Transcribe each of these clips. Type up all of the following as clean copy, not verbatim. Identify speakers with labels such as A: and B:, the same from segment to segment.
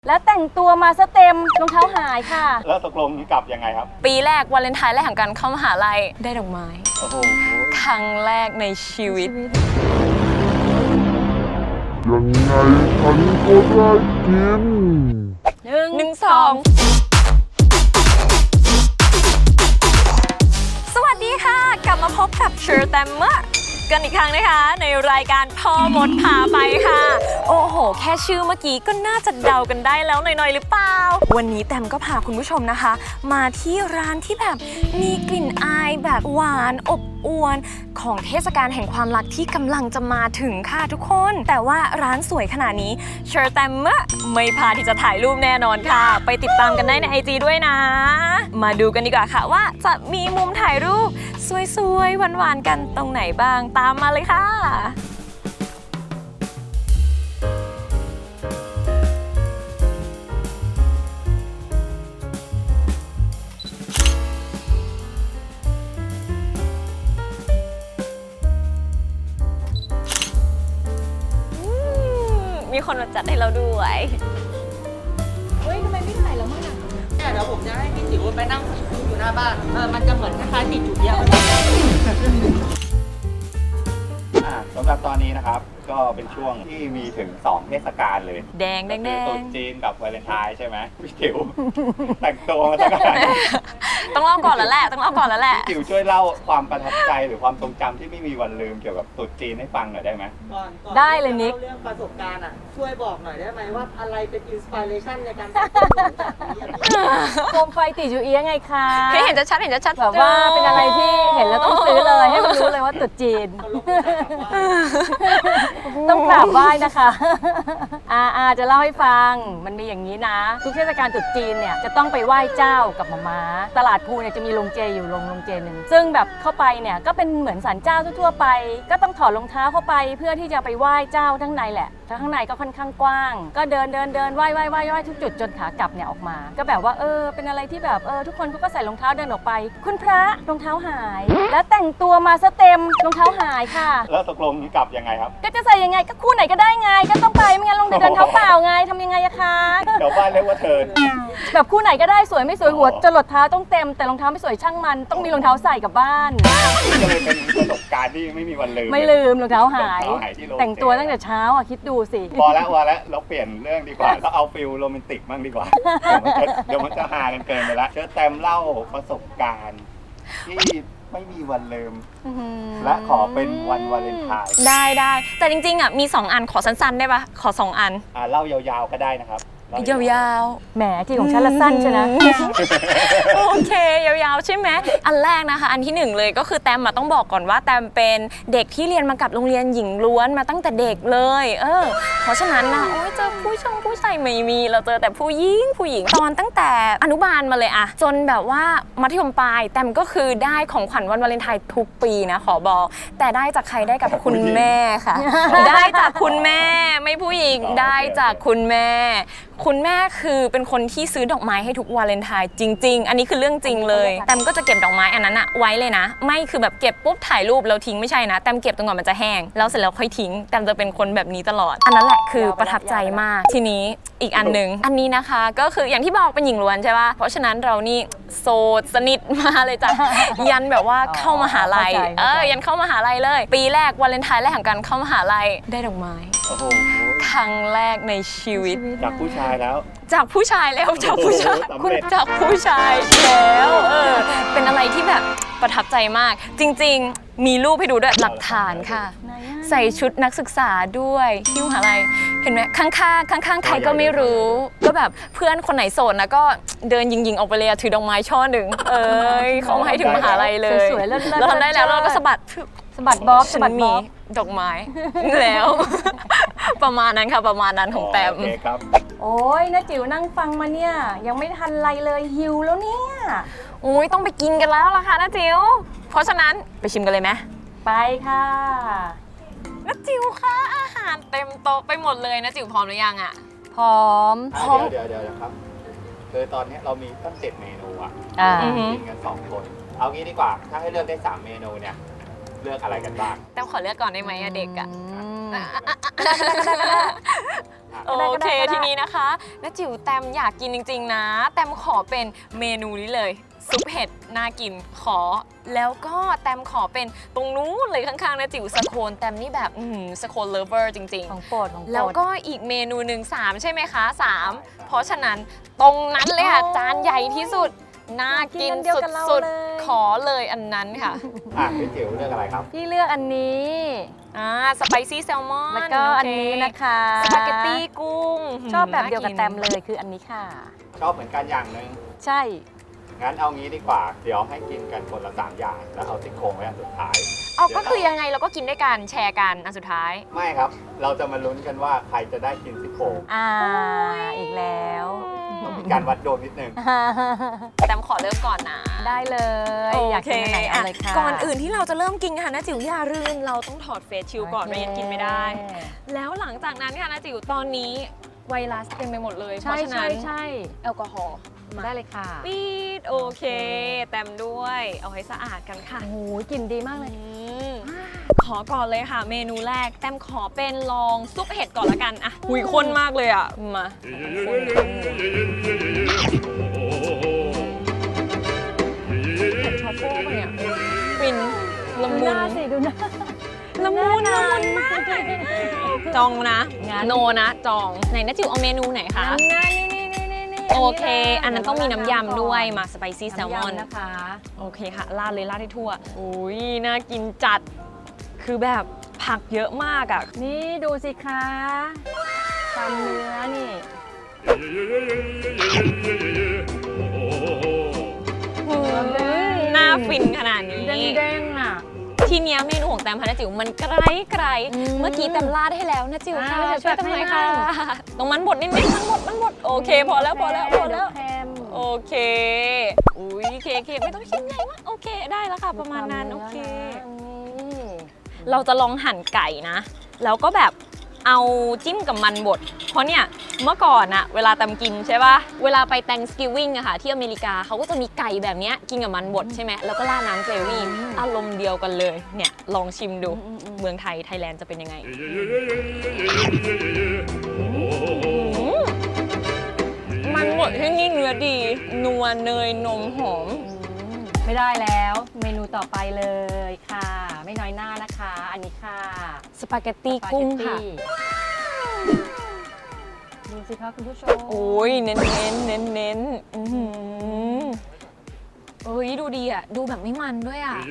A: แล้วแต่งตัวมาซะเต็มรองเท้าหายค่ะ
B: แล้วตกลงกลับยังไงครับ
C: ปีแรกวาเลนไทน์แรกของการเข้ามหาลัยได้ดอกไม้
B: โอ้โห
C: ครั้งแรกในชีวิต
D: ยังไงฉันก็ได้กิน
C: หนึ่งสองสวัสดีค่ะกลับมาพบกับเชอร์แตมเมอร์กันอีกครั้งนะคะในรายการพ่อมดพาไปค่ะโอ้โหแค่ชื่อเมื่อกี้ก็น่าจะเดากันได้แล้วหน่อยๆหรือเปล่าวันนี้แตมก็พาคุณผู้ชมนะคะมาที่ร้านที่แบบมีกลิ่นอายแบบหวานอบอวลของเทศกาลแห่งความรักที่กำลังจะมาถึงค่ะทุกคนแต่ว่าร้านสวยขนาดนี้เชอร์แตมเมอร์ไม่พลาดที่จะถ่ายรูปแน่นอนค่ะไปติดตามกันได้ใน IG ด้วยนะมาดูกันดีกว่าค่ะว่าจะมีมุมถ่ายรูปสวยๆหวานๆกันตรงไหนบ้างตามมาเลยค่ะมีคนมาจัดให้เราด้วย
A: เฮ้ยทำไมไม่ถ่ายแล้วมั่งอ่ะ
E: เนี่ยเดี๋ยวผมจะให้พี่จิ๋วไปนั่งอยู่หน้าบ้านมันจะเหมือนคล้ายๆติดจุดเดียว
B: สำหรับตอนนี้นะครับก็เป็นช่วงที่มีถึง2เทศกาลเลย
C: แดงแดงแดง
B: ตรุษจีนกับวาเลนไทน์ใช่ไหมพี่จิ๋วแต่งตัวมาตั้งแต่
C: ต้องเล่าก่อนแล้วแหละ
B: จิ๋วช่วยเล่าความประทับใจหรือความทรงจำที่ไม่มีวันลืมเกี่ยวกับตรุษจีนให้ฟังหน่อยได้ไหม
E: ก่อน
A: ได้เลยนิก
E: เรื่องประสบการณ์ช่วยบอกหน่อยได้ไหมว่าอะไรเป็นอินสปิเรชันในการแต่งตัว
A: โคมไฟติดอยู่เอียงไงคะ
C: เห็นจะชัด
A: แบบว่าเป็นอะไรที่เห็นแล้วต้องซื้อเลยให้มันรู้เลยว่าตรุษจีนต้องกราบไหว้นะคะจะเล่าให้ฟังมันมีอย่างนี้นะทุกเทศกาลตรุษจีนเนี่ยจะต้องไปไหว้เจ้ากับหม่าม้าตลาดภูเนี่ยจะมีโรงเจอยู่โรงเจหนึ่งซึ่งแบบเข้าไปเนี่ยก็เป็นเหมือนศาลเจ้าทั่วไปก็ต้องถอดรองเท้าเข้าไปเพื่อที่จะไปไหว้เจ้าทั้งในแหละข้างในก็ค่อนข้างกว้างก็เดินไหว้ทุกจุดจนขากลับเนี่ยออกมาก็แบบว่าเป็นอะไรที่แบบทุกคนเขาก็ใส่รองเท้าเดินออกไปคุณพระรองเท้าหายแล้วแต่งตัวมาซะเต็มรองเท้าหายค่ะ
B: แล้วตกลงกลับยังไงครับ
A: ก็จะใส่ยังไงก็คู่ไหนก็ได้ไงก็ต้องไปไม่งั้นลงเดินเท้าเปล่าไงทำยังไงอะคะ
B: เดี๋ยวบ้านเรียกว่าเทิร์น
A: แบบคู่ไหนก็ได้สวยไม่สวยหัวจรดเท้าต้องเต็มแต่รองเท้าไม่สวยช่างมันต้องมีรองเท้าใส่กลับบ้าน
B: ก็เลยเป็นประสบการณ์ที่ไม่มีวันลืม
A: ไม่ลืมรองเท้าหายแต่งตัวตั้งแต่เช้าอ่ะคิดดูสิ
B: พอแล้วเราเปลี่ยนเรื่องดีกว่าเราเอาฟิลโรแมนติกบ้างดีกว่าเดี๋ยวมันจะฮากันเกินไปละเชิญแตมเล่าประสบการณ์ที่ไม่มีวันลืมและขอเป็นวันวาเลนไทน์
C: ได้แต่จริงๆมี2อันขอสั้นๆได้ปะขอ2อัน
B: เล่ายาวๆก็ได้นะครับ
C: ยาว
A: ๆแหมที่ของฉันละสั้นใช่ไหม
C: โอเคยาวๆใช่ไหมอันแรกนะคะอันที่1เลยก็คือแตมต้องบอกก่อนว่าแตมเป็นเด็กที่เรียนมากับโรงเรียนหญิงล้วนมาตั้งแต่เด็กเลยเพราะฉะนั้นนะเจอผู้ชายไม่มีเราเจอแต่ผู้หญิงตอนตั้งแต่อนุบาลมาเลยอะจนแบบว่ามัธยมปลายแตมก็คือได้ของขวัญวันวาเลนไทน์ทุกปีนะขอบอกแต่ได้จากใครได้กับคุณแม่ค่ะได้จากคุณแม่ไม่ผู้หญิงได้จากคุณแม่คือเป็นคนที่ซื้อดอกไม้ให้ทุกวาเลนไทน์จริงๆอันนี้คือเรื่องจริงเลยแตมก็จะเก็บดอกไม้อันนั้นอะไว้เลยนะไม่คือแบบเก็บปุ๊บถ่ายรูปแล้วทิ้งไม่ใช่นะแตมเก็บจนกว่ามันจะแห้งแล้วเสร็จแล้วค่อยทิ้งแตมจะเป็นคนแบบนี้ตลอดอันนั้นแหละคือประทับใจมากทีนี้อีกอันนึงอันนี้นะคะก็คืออย่างที่บอกเป็นหญิงล้วนใช่ป่ะเพราะฉะนั้นเรานี่โสดสนิทมาเลยจ้ะยันแบบว่าเข้ามหาลัยยันเข้ามหาลัยเลยปีแรกวาเลนไทน์แรกของการเข้ามหาลัยได้ดอกไม้ครั้งแรกในชีวิต
B: จากผู้ชายแล้ว
C: จากผู้ชายแล้วจากผู้ชายแล้วเป็นอะไรที่แบบประทับใจมากจริงๆมีรูปให้ดูด้วยหลักฐานค่ะใส่ชุดนักศึกษาด้วยที่มหาลัยเห็นไหมข้างใครก็ไม่รู้ก็แบบเพื่อนคนไหนโสดนะก็เดินยิงออกไปเลยถือดอกไม้ช่อหนึ่งเขาให้ถึงมหาลัยเลย
A: สวยๆเลิศ
C: เราทำได้แล้วเราก็สะบัด
A: บ๊อบ
C: มีดอกไม้แล้วประมาณนั้นค่ะประมาณนั้นของแต้ม
A: โอ้ยน้าจิ๋วนั่งฟังมาเนี่ยยังไม่ทันไรเลยหิวแล้วเนี่ย
C: โอ้ยต้องไปกินกันแล้วล่ะค่ะน้าจิ๋วเพราะฉะนั้นไปชิมกันเลยไหม
A: ไปค่ะ
C: น้าจิ๋วคะอาหารเต็มโต๊ะไปหมดเลยน้าจิ๋วพร้อมหรือยังอะ
A: พร้อม
B: เดี๋ยวครับคือตอนนี้เรามีตั้ง7เมนูกินกัน2คนเอางี้ดีกว่าถ้าให้เลือกได้3เมนูเนี่ยเลือกอะไรกันบ้าง
C: แต้มขอเลือกก่อนได้ไหมเด็กอะโอเคทีนี้นะคะน้าจิ๋วแตมอยากกินจริงๆนะแตมขอเป็นเมนูนี้เลยซุปเห็ดน่ากินขอแล้วก็แตมขอเป็นตรงนู้นเลยข้างๆน้าจิ๋วสโคนแตมนี่แบบสโคนเลฟเวอร์จริง
A: ของโปรดของโปรด
C: แล้วก็อีกเมนูหนึ่ง3ใช่ไหมคะ3เพราะฉะนั้นตรงนั้นเลยค่ะจานใหญ่ที่สุดน่ากินสุดๆขอเลยอันนั้นค่ะ
B: พี่จิ๋วเลือกอะไรครับ
A: พี่เลือกอันนี้
C: สไปซี่แซลมอน
A: แล้วก็อันนี้นะคะ
C: สปาเกตตี้กุ้ง
A: ชอบแบบเดียวกับแตมเลยคืออันนี้ค่ะ
B: ชอบเหมือนกันอย่างหนึ่ง
A: ใช่
B: งั้นเอางี้ดีกว่า เดี๋ยวให้กินกันคนละ3อย่าง แล้วเอาซี่โครงไว้อันสุดท้าย
C: เอาก็คือยังไงเราก็กินด้วยกันแชร์กันอันสุดท้าย
B: ไม่ครับ เราจะมาลุ้นกันว่าใครจะได้กินซี่โครง
A: อีกแล้ว
B: มีการวัดโดนนิดนึง
C: แตมขอเริ่มก่อนนะ
A: ได้เลย อยากกินอันไหนเอาเลยค่ะ
C: ก่อนอื่นที่เราจะเริ่มกินค่ะนะจิ๋วอย่าลืมเราต้องถอดเฟซชิลก่อนไม่งั้นกินไม่ได้ แล้วหลังจากนั้นค่ะนะจิ๋วตอนนี้ไวรัสเต็มไปหมดเลยเพ
A: ใช่
C: ราะฉะนั้
A: ใช่
C: น
A: ใช่
C: แอลกอฮอล์มา
A: ได้เลยค่ะ
C: ปีดโอเค แต้มด้วยเอาให้สะอาดกันค่ะ
A: โอ้โหกลิ่นดีมากเลย
C: ขอก่อนเลยค่ะ เมนูแรกแต้มขอเป็นลองซุปเห็ดก่อนละกันอะหุยข้นมากเลยอะมาเห็ดทรัฟเฟิลปะเนี่ยฟินละ
A: ดู
C: มุ
A: หน้าน สิดูหน้า
C: ละมุนมากจองนะ
A: งั้น
C: โนนะจองไหนนะจิ๋วเอาเมนูไหนคะ
A: นี่
C: โอเค อันนั้นต้องมีน้ำยำด้วยมาสไปซี่แซลมอน
A: นะคะ
C: โอเคค่ะราดเลยราดให้ทั่วอุ้ยน่ากินจัดคือแบบผักเยอะมากอ่ะ
A: นี่ดูสิคะความเนื้อนี่
C: น่าฟินขนาดนี้
A: เด้งๆอ่ะ
C: ทีเนี้ยเมนูของแตมพานะจิ๋วมันไกลๆเมื่อกี้แตมราดให้แล้วนะจิ๋วค่ะ ช่วยแตมหน่อยค่ะตรงมันบดนิดๆมันบดโอเคพอแล้ว
A: เค็ม
C: โอเคอุ้ยเคไม่ต้องชิ้นใหญ่มากโอเคได้แล้วค่ะประมาณนั้นโอเค เราจะลองหั่นไก่นะ แล้วก็แบบเอาจิ้มกับมันบด เพราะเนี่ยเมื่อก่อนอะเวลาตำกินใช่ป่ะ เวลาไป Thanksgiving อะค่ะที่อเมริกาเขาก็จะมีไก่แบบเนี้ยกินกับมันบดใช่ไหมแล้วก็ราดน้ำเกรวี่อารมณ์เดียวกันเลย เนี่ยลองชิมดู เมืองไทยแลนด์จะเป็นยังไง มันบดที่นี่เนื้อดี นัวเนยนมหอม
A: ไม่ได้แล้วเมนูต่อไปเลยค่ะ ไม่น้อยหน้านะคะ อันนี้ค่ะ
C: สปาเกตตี้กุ้งค่ะ
A: ดูสิคะคุณผู้ชม
C: โอ้ยเน้นโอ้ยดูดีอ่ะ ดูแบบไม่มันด้วยอ่ะ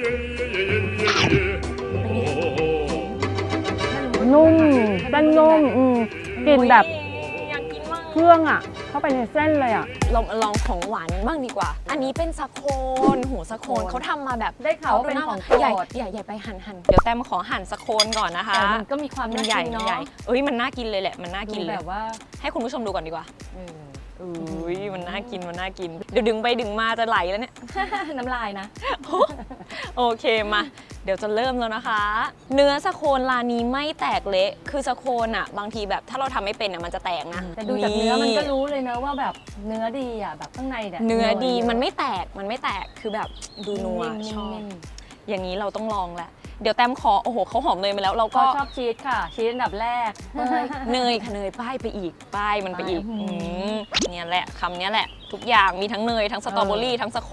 A: นุ่มเส้นนุ่มกลิ่นแบบ
C: อยากกินมาก
A: เครื่องอ่ะ เข้าไปในเส้นเลยอ่ะ
C: เรามาลองของหวานกันบ้างดีกว่า อันนี้เป็นสะโคนหัวสะโคนเขาทำมาแบบ
A: ได้ข่าวว่าเป็นของโปรด
C: ใหญ่ไปหั่นเดี๋ยวแต้มขอหั่นสะโคนก่อนนะคะ
A: แต่มันก็มีความ
C: มัน
A: น่า
C: ใหญ่
A: กินเนาะ
C: ใหญ่เอ้ยมันน่ากินเลยแหละมันน่ากิน
A: ดู
C: เลย
A: แบบว่า
C: ให้คุณผู้ชมดูก่อนดีกว่าอุ้ยมันน่ากินเดี๋ยวดึงไปดึงมาจะไหลแล้วเนี่ย
A: น้ำลายนะ
C: โอเคมาเดี๋ยวจะเริ่มแล้วนะคะ เนื้อสะโคนร้านนี้ไม่แตกเละคือสะโคนอ่ะบางทีแบบถ้าเราทำไม่เป็นอ่ะมันจะแตกนะ
A: แต่ดูจากเนื้อมันก็รู้เลยนะว่าแบบเนื้อดีอ่ะแบบข้างในเนี่ย
C: เนื้อดีมันไม่แตกคือแบบดูนัว
A: นิ่มๆ
C: ชอบอย่างนี้เราต้องลองแหละเดี๋ยวแต้มขอโอ้โหเขาหอมเนยมาแล้วเรา
A: ก็
C: ก็
A: ชอบชีสค่ะ ชีสอันดับแรก
C: เนยค่ะเนยป้ายไปอีกป้ายมันไปอีก
A: อืม
C: เนี่ยแหละคำเนี้ยแหละ ทุกอย่างมีทั้งเนยทั้งสตรอเบอรี่ทั้งสะโคน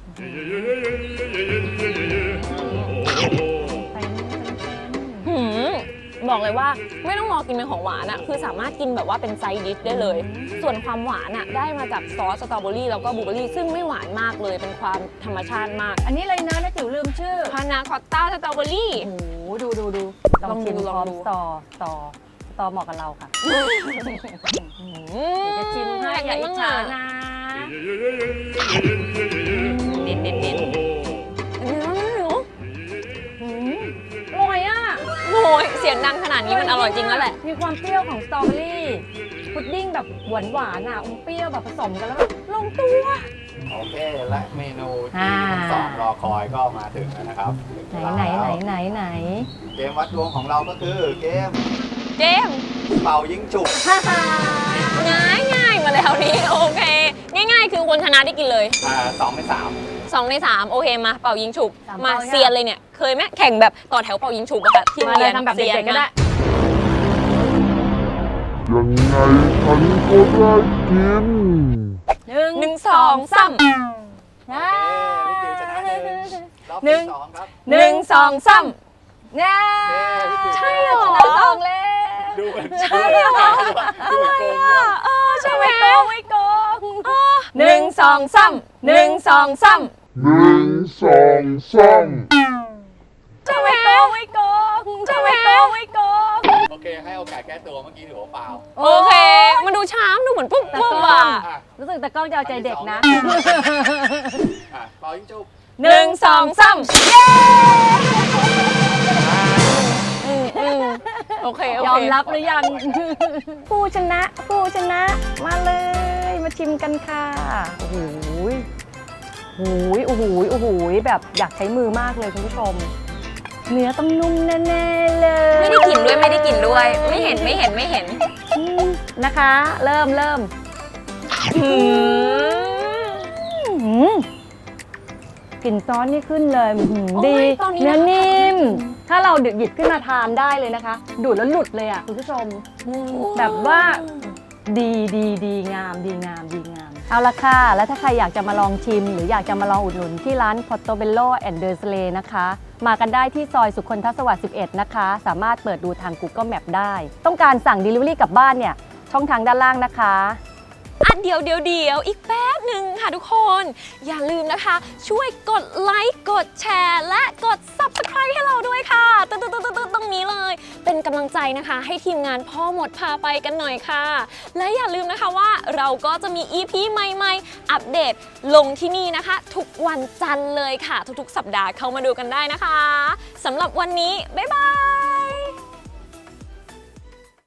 A: ไปนู่นเต็ม
C: หืมบอกเลยว่าไม่ต้องรอกินเป็นของหวานอะคือสามารถกินแบบว่าเป็นไซด์ดิชได้เลย ส่วนความหวานอะได้มาจากซอสสตรอเบอรี่แล้วก็บลูเบอรี่ซึ่งไม่หวานมากเลยเป็นความธรรมชาติมาก
A: อันนี้เลยนะจิ๋วลืมชื่อ
C: พานาคอตต้าสตรอเบอรี่
A: โอ้โหดูลองชิม
C: ล
A: พ
C: อง
A: ร้อม
C: ดู
A: สตอเหมาะกับเราค่ะ
C: เดี๋
A: เดี๋ยวจะชิมให้อย่าอิจฉานะ
C: เน้นเนื้ออร่อยอ่ะโอ้ยเสียงดังขนาดนี้มันอร่อยจริงแล้วแหละ
A: มีความเปรี้ยวของสตรอเบอรี่พุดดิ้งแบบหวานอ่ะเปรี้ยวแบบผสมกันแล้วแบบลงตัว
B: โอเค และเมนูที่ทั้งสองรอคอยก็มาถึงแล้วนะครับถึงเวลาแล้ว เกมวัดดวงของเราก็คือเกม
C: เจมส์
B: เป่ายิงฉุบ
C: ง่ายมาแล้วนี้โอเค ง่ายๆ คือคนชนะได้กินเลย
B: 2 ใน 3
C: 2 ใน 3 โอเคมาเป่ายิงฉุบ
A: สาม
C: มา
A: เป่า
C: เซียนเลยเนี่ยเคยไหมแข่งแบบต่อแถวเป่ายิงฉุบอะค่ะที่
A: มาเลย
C: โรงรีน
A: ทำแบบเด็กๆก็ได้
D: ยังไงฉันก็ได้กิน
C: หนึ่งสองสาม
A: อ่า
B: พี่จิ๋วชนะรอบ
A: หนึ่
B: ที่
A: ง
B: สองครับ
C: หนึ่งสองสาม
A: เนี่ย
C: ใช่เหรอ
A: ชนะสองแล้ว
B: ดูเหมือนเชื่อดูเหมือนโกงด้วย
C: ใช่ไหม
A: ไม่โกงไม่โกง
C: หนึ่งสองสามหนึ่งสองสาม
D: 1 2 3
A: จะไม่โกงไม่โกงจะไม่โกงไม่โกง
B: โอเค ให้โอกาสแก้ตัวเมื่อกี้ถือว่าเปล่า
C: โอเค มันดูช้ามดูเหมือนปุ๊บปุ๊บอ่ะ
B: อ่ะ
A: รู้สึกแต่กล้องจะเอาใจเด็กนะ
B: เป่ายิงจุบ
C: หนึ่งสองสามโอเคโอเค
A: ยอมรับหรือยัง ผู้ชนะผู้ชนะมาเลยมาชิมกันค่ะโอ้โหโอ้โหโอ้โหโอ้โหแบบอยากใช้มือมากเลยคุณผู้ชม เนื้อต้องนุ่มแน่ๆเลย
C: ไม่ได้กลิ่นด้วยไม่ได้กลิ่นด้วย ไม่เห็นไม่เห็นไม่เห็น
A: นะคะ เริ่มกลิ่นซอสนี่ขึ้นเลยดี
C: โอ้ยตอนนี้
A: เนื้อ
C: นะคะ
A: นิ่ม ถ้าเราหยิบขึ้นมาทานได้เลยนะคะ ดูดแล้วหลุดเลยอ่ะคุณผู้ชม แบบว่าดีงามดีงามดีงาม เอาละค่ะ แล้วถ้าใครอยากจะมาลองชิม หรืออยากจะมาลองอุดหนุนที่ร้าน Portobello and the Slay นะคะ มากันได้ที่ซอยสุคนทสวัสดิ์11 นะคะ สามารถเปิดดูทาง Google Map ได้ ต้องการสั่ง Delivery กลับบ้านเนี่ย ช่องทางด้านล่างนะคะ
C: เดี๋ยวอีกแป๊บหนึ่งค่ะทุกคน อย่าลืมนะคะ ช่วยกดไลค์กดแชร์และกด Subscribe ให้เราด้วยค่ะตึ๊ดตรงนี้เลย เป็นกำลังใจนะคะ ให้ทีมงานพ่อหมดพาไปกันหน่อยค่ะ และอย่าลืมนะคะว่าเราก็จะมี EP ใหม่ๆ อัปเดตลงที่นี่นะคะ ทุกวันจันทร์เลยค่ะ ทุกๆ สัปดาห์เข้ามาดูกันได้นะคะสำหรับวันนี้บ๊ายบาย